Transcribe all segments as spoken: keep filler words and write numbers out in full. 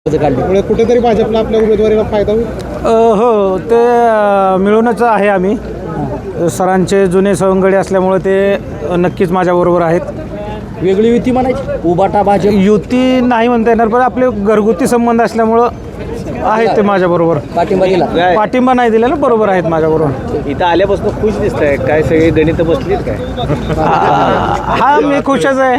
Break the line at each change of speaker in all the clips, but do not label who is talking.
त्यामुळे कुठेतरी भाजपला आपल्या उमेदवारीला फायदा होईल.
अ, हो ते अ, मिळूनच आहे. आम्ही सरांचे जुने सवंगडी असल्यामुळे ते नक्कीच माझ्याबरोबर आहेत.
वेगळी युती म्हणायची उबाटा भाजप
युती नाही म्हणता येणार, पण आपले घरगुती संबंध असल्यामुळं आहेत ते माझ्याबरोबर.
पाठिंबा दिला.
पाठिंबा नाही दिलेला, बरोबर आहेत माझ्याबरोबर.
इथं आल्यापासून खुश दिसत आहे काय, सगळे गणित बसलीत काय?
हा मी खुशच आहे.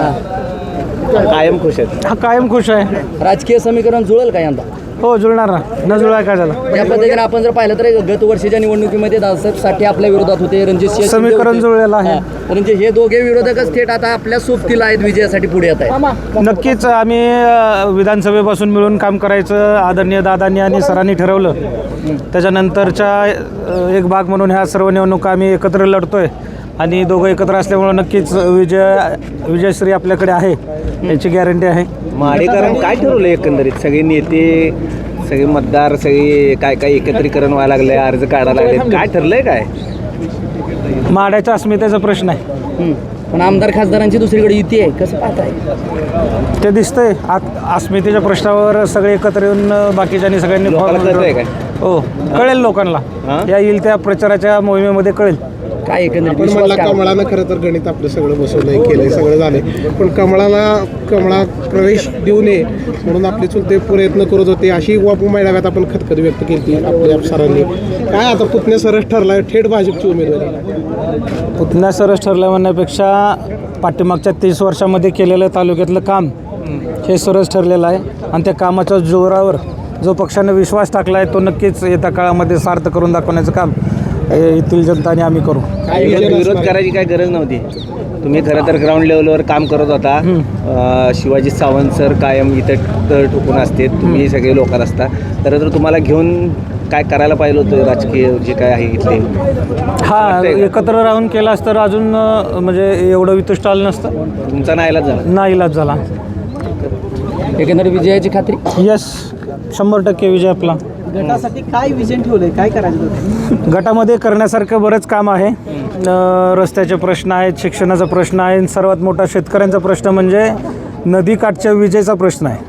कायम खुश आहेत.
हा कायम खुश आहे.
राजकीय समीकरण जुळेल का यंदा?
हो जुळणार ना, न जुळाय काय झालं.
या पद्धतीने आपण जर पाहिलं तर गत वर्षीच्या निवडणुकीमध्ये दादासाहेब साठे आपल्या विरोधात होते, रणजित सिंह शिंदे
समीकरण
होते.
जुळलेलं आहे.
हा. म्हणजे हे दोघे विरोधकच थेट आता आपल्या सोबतीला आहेत, विजयासाठी पुढे येत आहेत.
नक्कीच आम्ही अ, विधानसभेपासून मिळून काम करायचं आदरणीय दादांनी आणि सरांनी ठरवलं. त्याच्यानंतरच्या अ, एक भाग म्हणून ह्या सर्व निवडणुका आम्ही एकत्र लढतोय आणि दोघं एकत्र असल्यामुळं नक्कीच विजय विजयश्री आपल्याकडे आहे याची गॅरंटी आहे.
माडेकरांनी काय ठरवलं एकंदरीत? सगळे नेते, सगळे मतदार, सगळे काय काय एकत्रीकरण व्हायला लागले, अर्ज काढायला लागले, काय ठरलंय काय?
माड्याच्या अस्मितेचा प्रश्न आहे.
हम्म. पण आमदार खासदारांची दुसरीकडे युती आहे, कसं पाहताय?
ते दिसतंय. आत अस्मितेच्या प्रश्नावर सगळे एकत्र येऊन अ, बाकीच्यांनी सगळ्यांनी
लोकांना कळतंय काय?
हो कळेल लोकांना.
हां?
या येईल त्या प्रचाराच्या मोहिमेमध्ये कळेल.
काय एकंदरीत
पण
विश्वास
म्हणला
काय?
कमळानं खरं तर गणित आपलं सगळं बसवलंय, केलंय, सगळं झालंय. पण कमळाला कमळात प्रवेश देऊ नये म्हणून आपले चुलते प्रयत्न करत होते, अशी वापू मेळाव्यात आपण खतखत व्यक्त केली आपल्या सरांनी. काय आता पुतण्या सरस ठरलाय थेट भाजपची उमेदवारी?
पुतण्या सरस ठरलं म्हणण्यापेक्षा पाठीमागच्या तीस वर्षामध्ये केलेलं तालुक्यातलं काम हे सरस ठरलेलं आहे आणि त्या कामाच्या जोरावर जो पक्षानं विश्वास टाकला आहे तो नक्कीच येत्या काळामध्ये सार्थ करून दाखवण्याचं काम हे येथील जनताने आम्ही करू.
विरोध करायची काय गरज नव्हती. तुम्ही खरं तर ग्राउंड लेवलवर काम करत होता. अं, शिवाजी सावंत सर कायम इथं तर ठोकून असते, तुम्ही सगळे लोकात असता. खरं तर तुम्हाला घेऊन काय करायला पाहिलं होतं राजकीय जे काय आहे इथले?
हा एकत्र राहून केलास तर अजून अ, म्हणजे एवढं वितुष्ट आलं नसतं.
तुमचा नाईलाज झाला.
नाईलाज झाला.
एकंदरीत विजयाची खात्री.
यस शंभर टक्के विजय आपला.
गटासाठी काय विजन ठेवलंय, काय करायचं होतं?
गटामध्ये करण्यासारखं बरंच काम आहे. अ, रस्त्याचे प्रश्न आहेत, शिक्षणाचा प्रश्न आहे आणि सर्वात मोठा शेतकऱ्यांचा प्रश्न म्हणजे नदीकाठच्या विजेचा प्रश्न आहे.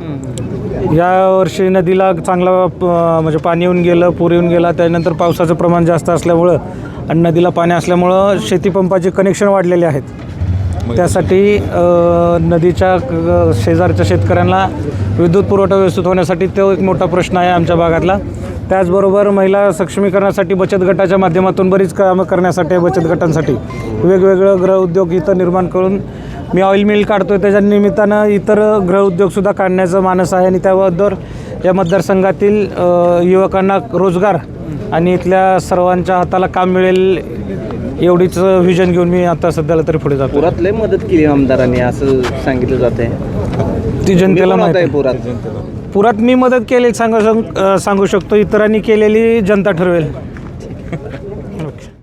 यावर्षी नदीला चांगला प- म्हणजे पाणी येऊन गेलं, पूर येऊन गेला, त्यानंतर पावसाचं प्रमाण जास्त असल्यामुळं आणि नदीला पाणी असल्यामुळं शेतीपंपाचे कनेक्शन वाढलेले आहेत. त्यासाठी अ, नदीच्या क- शेजारच्या शेतकऱ्यांना विद्युत पुरवठा व्यवस्थित होण्यासाठी तो एक मोठा प्रश्न आहे आमच्या भागातला. त्याचबरोबर महिला सक्षमीकरणासाठी बचत गटाच्या माध्यमातून बरीच कामं करण्यासाठी बचत गटांसाठी वेगवेगळं गृह उद्योग इथं निर्माण करून मी ऑइल मिल काढतो, त्याच्या निमित्तानं इतर गृह उद्योगसुद्धा काढण्याचं मानस आहे आणि त्याबद्दल या मतदारसंघातील अ, युवकांना रोजगार आणि इथल्या सर्वांच्या हाताला काम मिळेल एवढीच व्हिजन घेऊन मी आता सध्याला तरी पुढे जातो.
पुरात लय मदत केली आमदारांनी असं सांगितलं जाते.
ती जनतेला माहिती
आहे
आहे.
पुरात
पुरात मी मदत केली सांगू सांगू शकतो, इतरांनी केलेली जनता ठरवेल.